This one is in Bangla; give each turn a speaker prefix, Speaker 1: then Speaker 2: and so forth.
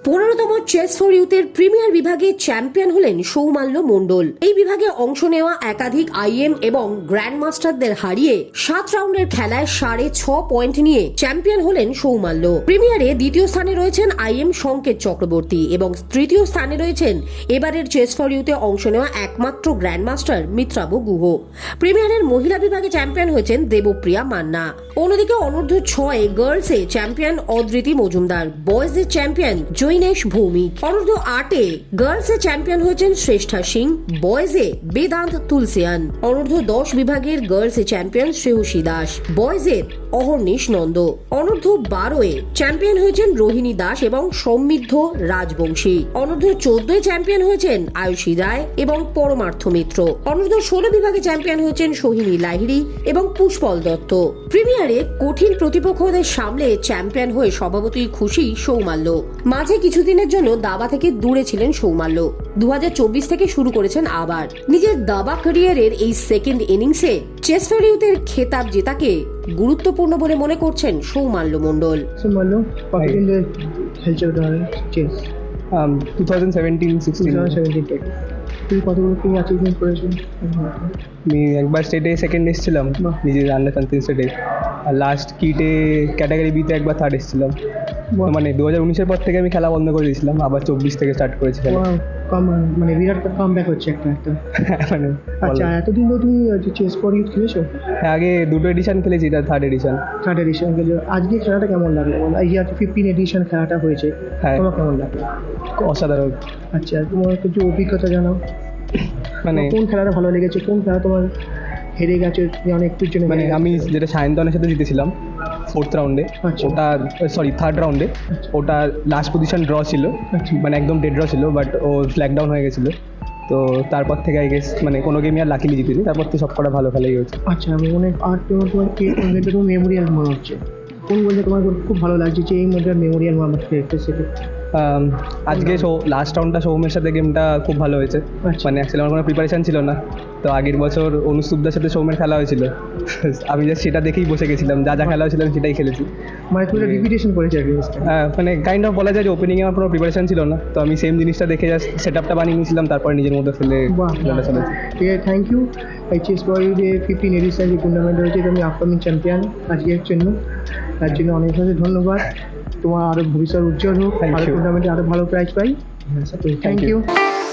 Speaker 1: 15তম চেস ফর ইউথের প্রিমিয়ার বিভাগে চ্যাম্পিয়ন হলেন সৌমাল্য মণ্ডল। এই বিভাগে অংশ নেওয়া একাধিক আইএম এবং গ্র্যান্ড মাস্টারদের হারিয়ে 7 রাউন্ডের খেলায় 6.5 পয়েন্ট নিয়ে চ্যাম্পিয়ন হলেন সৌমাল্য। প্রিমিয়ারে দ্বিতীয় স্থানে রয়েছেন আইএম সংকেত চক্রবর্তী এবং তৃতীয় স্থানে রয়েছেন এবারের চেস ফর ইউথে অংশ নেওয়া একমাত্র গ্র্যান্ড মাস্টার মিত্রাব গুহ। প্রিমিয়ারের মহিলা বিভাগে চ্যাম্পিয়ন হয়েছেন দেবপ্রিয়া মান্না। অন্যদিকে অনূর্ধ্ব 6 গার্লসে চ্যাম্পিয়ন অদ্রিতি মজুমদার, বয়েজের চ্যাম্পিয়ন জৈনেশ ভৌমিক। অনূর্ধ্ব 8 গার্লসে চ্যাম্পিয়ন হয়েছেন শ্রেষ্ঠা সিং, বয়েজে বেদান্ত তুলসিয়ান। অনূর্ধ্ব 10 বিভাগের গার্লসে চ্যাম্পিয়ন শ্রেয়সী দাস, বয়েজের অহর্নিশ নন্দ। অনূর্ধ্ব 12 চ্যাম্পিয়ন হয়েছেন রোহিণী দাস এবং সমৃদ্ধ রাজবংশী। অনূর্ধ্ব 14 চ্যাম্পিয়ন হয়েছেন আয়ুষী রায় এবং পরমার্থ মিত্র। অনূর্ধ্ব 16 বিভাগে চ্যাম্পিয়ন হয়েছেন সোহিনী লাহিড়ী এবং পুষ্পল দত্ত। প্রিমিয়ারে কঠিন প্রতিপক্ষদের সামলে চ্যাম্পিয়ন হয়ে স্বভাবতই খুশি সৌমাল্য। মাঝে কিছুদিনের জন্য দাবা থেকে দূরে ছিলেন সৌমাল্য। 2024 থেকে শুরু করেছেন আবার নিজের দাবা ক্যারিয়ারের এই সেকেন্ড ইনিংসে চেস ফর ইউথের খেতাব জেতাকে গুরুত্বপূর্ণ বলে মনে করছেন সৌমাল্য মণ্ডল।
Speaker 2: সৌমাল্য কতদিন ধরে খেলছো চেস?
Speaker 3: 2017-16
Speaker 2: থেকে তুমি কতগুলো কি অ্যাচিভমেন্ট করেছো?
Speaker 3: আমি একবার স্টেটে সেকেন্ড এসেছিলাম নিজের আন্ডার 13 স্টেটে, আর লাস্ট কিটে ক্যাটাগরি বিতে একবার থার্ড এসেছিলাম। মানে 2019-এর পর থেকে আমি খেলা বন্ধ করে দিয়েছিলাম, আবার 24 থেকে স্টার্ট করেছিলাম।
Speaker 2: মানে বিরাট কামব্যাক হচ্ছে একটা।
Speaker 3: মানে
Speaker 2: আচ্ছা, এতদিন ধরে তুমি চেস ফর ইউথ খেলেছো?
Speaker 3: আগে দুটো এডিশন খেলেছি, এটা থার্ড এডিশন।
Speaker 2: খেলেছো। আজকে খেলাটা কেমন লাগলো? এই যে 15 এডিশন খেলাটা হয়েছে,
Speaker 3: হ্যাঁ,
Speaker 2: তোমার কেমন লাগলো?
Speaker 3: অসাধারণ।
Speaker 2: আচ্ছা, তোমার কিছু অভিজ্ঞতা জানাও।
Speaker 3: মানে
Speaker 2: কোন খেলাটা ভালো লেগেছে? কোন খেলা তোমার হেরে গেছে অনেকটার জন্য?
Speaker 3: মানে আমি যেটা সায়ন্তনের সাথে জিতেছিলাম 4th রাউন্ডে,
Speaker 2: আচ্ছা।
Speaker 3: ওটা থার্ড রাউন্ডে, ওটা লাস্ট পজিশন ড্র ছিল, মানে একদম ডেড ড্র ছিল, বাট ও ফ্ল্যাগ ডাউন হয়ে গেছিলো। তো তারপর থেকে আই গেস মানে কোনো গেমই আর লাকিলি জিতেছি, তারপর তো সব কটা ভালো খেলাই হয়েছে।
Speaker 2: আচ্ছা, আমি মনে আর তোমার তোমার মেমোরিয়াল মনে হচ্ছে কোন বলতে তোমার খুব ভালো লাগছে যে এই মধ্যে মেমোরিয়াল আমার সেটা?
Speaker 3: আজকে লাস্ট রাউন্ডটা সৌমের সাথে গেমটা খুব ভালো হয়েছে। মানে অ্যাকচুয়ালি আমার কোনো প্রিপারেশন ছিল না, তো আগের বছর অনুষ্ঠুপদার সাথে সৌমের খেলা হয়েছিল, আমি জাস্ট সেটা দেখেই বসে গেছিলাম, যা যা খেলা হয়েছিল আমি সেটাই খেলেছি।
Speaker 2: মানে তুমি রিপিটেশন করেছো?
Speaker 3: হ্যাঁ, মানে কাইন্ড অফ বলা যায় যে ওপেনিংয়ে আমার কোনো প্রিপারেশন ছিল না, তো আমি সেম জিনিসটা দেখে জাস্ট সেট আপটা বানিয়ে নিয়েছিলাম, তারপর নিজের মধ্যে ফেলে খেলাটা চলেছে।
Speaker 2: ঠিক আছে, থ্যাংক ইউ। এই চেস ফর ইউ যে 15 এডিশন যে টুর্নামেন্ট হয়েছে, তুমি আপকামিং চ্যাম্পিয়ন আজকের জন্য, তার জন্য অনেক অনেক ধন্যবাদ। তোমার আরও ভবিষ্যৎ উজ্জ্বল হোক, আরও টুর্নামেন্টে আরও ভালো প্রাইজ পাই। Thank you.